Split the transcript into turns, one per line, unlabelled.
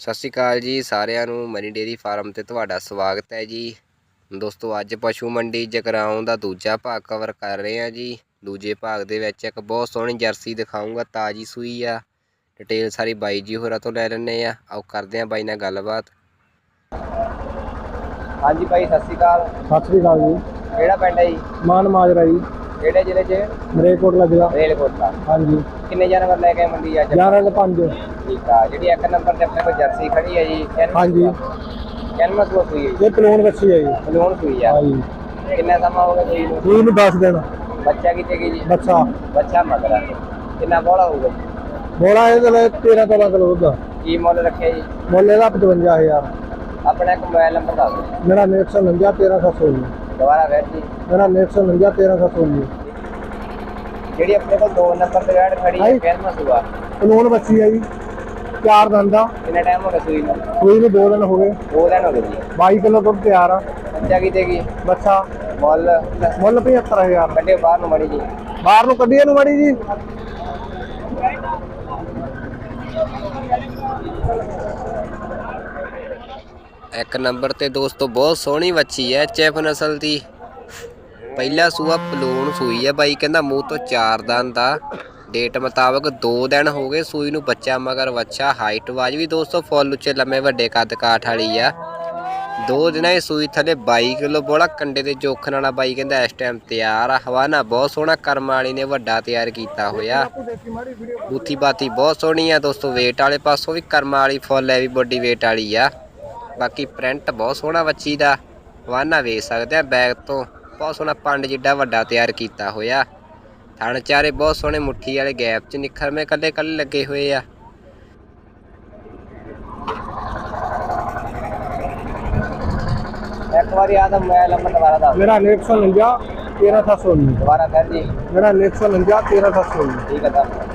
ਸਤਿ ਸ਼੍ਰੀ ਅਕਾਲ ਜੀ ਸਾਰਿਆਂ ਨੂੰ ਮਨੀ ਡੇਅਰੀ ਫਾਰਮ ਤੇ ਤੁਹਾਡਾ ਸਵਾਗਤ ਹੈ ਜੀ। ਦੋਸਤੋ ਅੱਜ ਪਸ਼ੂ ਮੰਡੀ ਜਗਰਾਉਂ ਦਾ ਦੂਜਾ ਭਾਗ ਕਵਰ ਕਰ ਰਹੇ ਹਾਂ ਜੀ। ਦੂਜੇ ਭਾਗ ਦੇ ਵਿੱਚ ਇੱਕ ਬਹੁਤ ਸੋਹਣੀ ਜਰਸੀ ਦਿਖਾਊਂਗਾ, ਤਾਜੀ ਸੂਈ ਆ। ਡਿਟੇਲ ਸਾਰੀ ਬਾਈ ਜੀ ਹੋਰਾਂ ਤੋਂ ਲੈ ਲੈਣੇ ਆ। ਆਓ ਕਰਦੇ ਆ ਬਾਈ ਨਾਲ ਗੱਲਬਾਤ। ਹਾਂਜੀ ਬਾਈ ਸਤਿ ਸ਼੍ਰੀ ਅਕਾਲ।
ਸਤਿ ਸ੍ਰੀ ਅਕਾਲ ਜੀ।
ਕਿਹੜਾ ਪਿੰਡ ਹੈ ਜੀ?
ਮਾਨ ਮਾਜਰਾ ਜੀ।
ਕਿਹੜੇ ਜ਼ਿਲ੍ਹੇ 'ਚ?
ਮਰੇਕੋਟਲਾ ਜ਼ਿਲ੍ਹਾ।
ਮਰੇਕੋਟਲਾ।
ਹਾਂਜੀ।
ਕਿੰਨੇ ਜਾਨਵਰ ਲੈ ਕੇ ਮੰਡੀ ਅੱਜ?
11/5।
ਠੀਕ ਆ। ਜਿਹੜੀ ਇੱਕ ਨੰਬਰ ਤੇ ਆਪਣੇ ਕੋਲ ਜਰਸੀ ਖੜੀ ਹੈ ਜੀ,
ਹਾਂਜੀ
ਕਿੰਨਾ ਸੂਆ ਸੂਈ ਹੈ?
ਇਹ ਪਲੂਣ ਬੱਚੀ ਹੈ ਜੀ।
ਪਲੂਣ ਸੂਈ ਆ।
ਹਾਂਜੀ।
ਕਿੰਨਾ ਸਮਾਂ ਹੋ ਗਿਆ ਸੂਈ ਨੂੰ?
ਸੂਈ ਨੂੰ 10 ਦਿਨ।
ਬੱਚਾ ਕਿਤੇ ਗਈ ਜੀ?
ਬੱਚਾ
ਮਗਰ ਆ। ਕਿੰਨਾ ਬੋਲਾ ਹੋਊਗਾ?
ਬੋਲਾ ਇਹਦੇ ਲਈ 13-14 ਕਿਲੋ ਦਾ।
ਕੀ ਮੁੱਲ ਰੱਖਿਆ ਜੀ?
ਮੁੱਲ ਇਹਦਾ 55000।
ਆਪਣਾ ਇੱਕ ਮੋਬਾਈਲ ਨੰਬਰ ਦੱਸ ਦਿਓ।
ਮੇਰਾ 949 1319।
ਦੁਬਾਰਾ ਫਿਰ ਜੀ।
ਮੇਰਾ 949 1319।
ਜਿਹੜੀ ਆਪਣੇ ਕੋਲ 2 ਨੰਬਰ ਤੇ ਗਾੜ ਖੜੀ ਹੈ, ਕਿੰਨਾ ਸੂਆ?
ਪਲੂਣ ਬੱਚੀ ਹੈ ਜੀ, 4 ਦਿਨ ਦਾ।
ਕਿੰਨਾ ਟਾਈਮ ਹੋ ਗਿਆ ਸੂਈ ਨੂੰ?
ਸੂਈ ਨੂੰ 2 ਦਿਨ ਹੋ ਗਏ।
2 ਦਿਨ ਹੋ ਗਏ ਜੀ।
22 ਕਿਲੋ ਦੁੱਧ ਤਿਆਰ ਆ।
ਬੱਚਾ ਕਿਤੇ ਗਈ?
ਬੱਚਾ
ਮੁੱਲ
75000।
ਕੱਢਿਓ ਬਾਹਰ ਨੂੰ ਮੜੀ ਜੀ।
ਬਾਹਰ ਨੂੰ ਕੱਢੀਏ ਨੂੰ ਮਾੜੀ ਜੀ।
ਇੱਕ ਨੰਬਰ ਤੇ ਦੋਸਤੋ ਬਹੁਤ ਸੋਹਣੀ ਵੱਛੀ ਹੈ, ਚੈਫ ਨਸਲ ਦੀ। ਪਹਿਲਾ ਸੂਆ ਪਲੂਣ ਸੂਈ ਹੈ। ਬਾਈ ਕਹਿੰਦਾ ਮੂੰਹ ਤੋਂ 4 ਦਿਨ ਦਾ। ਡੇਟ ਮੁਤਾਬਕ 2 ਦਿਨ ਹੋ ਗਏ ਸੂਈ ਨੂੰ। ਬੱਚਾ ਮਗਰ ਵੱਛਾ। ਹਾਈਟ ਵਾਜ ਵੀ ਦੋਸਤੋ ਫੁੱਲ ਉੱਚੇ ਲੰਮੇ ਵੱਡੇ ਕੱਦ ਕਾਠ ਵਾਲੀ ਆ। 2 ਦਿਨਾਂ ਦੀ ਸੂਈ ਥੱਲੇ 22 ਕਿਲੋ ਬੋਲਾ ਕੰਡੇ ਦੇ ਜੋਖਣ ਵਾਲਾ। ਬਾਈ ਕਹਿੰਦਾ ਇਸ ਟਾਈਮ ਤਿਆਰ ਆ। ਹਵਾਨਾ ਬਹੁਤ ਸੋਹਣਾ ਕਰਮ ਵਾਲੀ ਨੇ ਵੱਡਾ ਤਿਆਰ ਕੀਤਾ ਹੋਇਆ। ਬੂਥੀ ਬਾਤੀ ਬਹੁਤ ਸੋਹਣੀ ਆ ਦੋਸਤੋ। ਵੇਟ ਵਾਲੇ ਪਾਸੋਂ ਵੀ ਕਰਮ ਵਾਲੀ ਫੁੱਲ ਹੈ, ਵੀ ਵੱਡੀ ਵੇਟ ਵਾਲੀ ਆ। ਬਾਕੀ ਪ੍ਰਿੰਟ ਬਹੁਤ ਸੋਹਣਾ ਵੱਛੀ ਦਾ। ਹਵਾਨਾ ਵੇਚ ਸਕਦੇ ਆ ਬੈਗ ਤੋਂ। ਬਹੁਤ ਸੋਹਣਾ ਪੰਡ ਜਿੱਡਾ ਵੱਡਾ ਤਿਆਰ ਕੀਤਾ ਹੋਇਆ। ਥਣ ਚਾਰੇ ਬਹੁਤ ਸੋਹਣੇ ਮੁੱਠੀ ਵਾਲੇ ਗੈਪ 'ਚ ਨਿਖਰਵੇਂ ਕੱਲੇ ਕੱਲੇ ਲੱਗੇ ਹੋਏ ਆ। ਇੱਕ ਵਾਰੀ ਆਦਾ ਮੋਬਾਈਲ ਨੰਬਰ ਦੁਬਾਰਾ ਦੱਸ।
ਮੇਰਾ 949 1319।
ਦੁਬਾਰਾ ਕਰ ਜੀ।
ਮੇਰਾ 949 1319।
ਠੀਕ ਹੈ।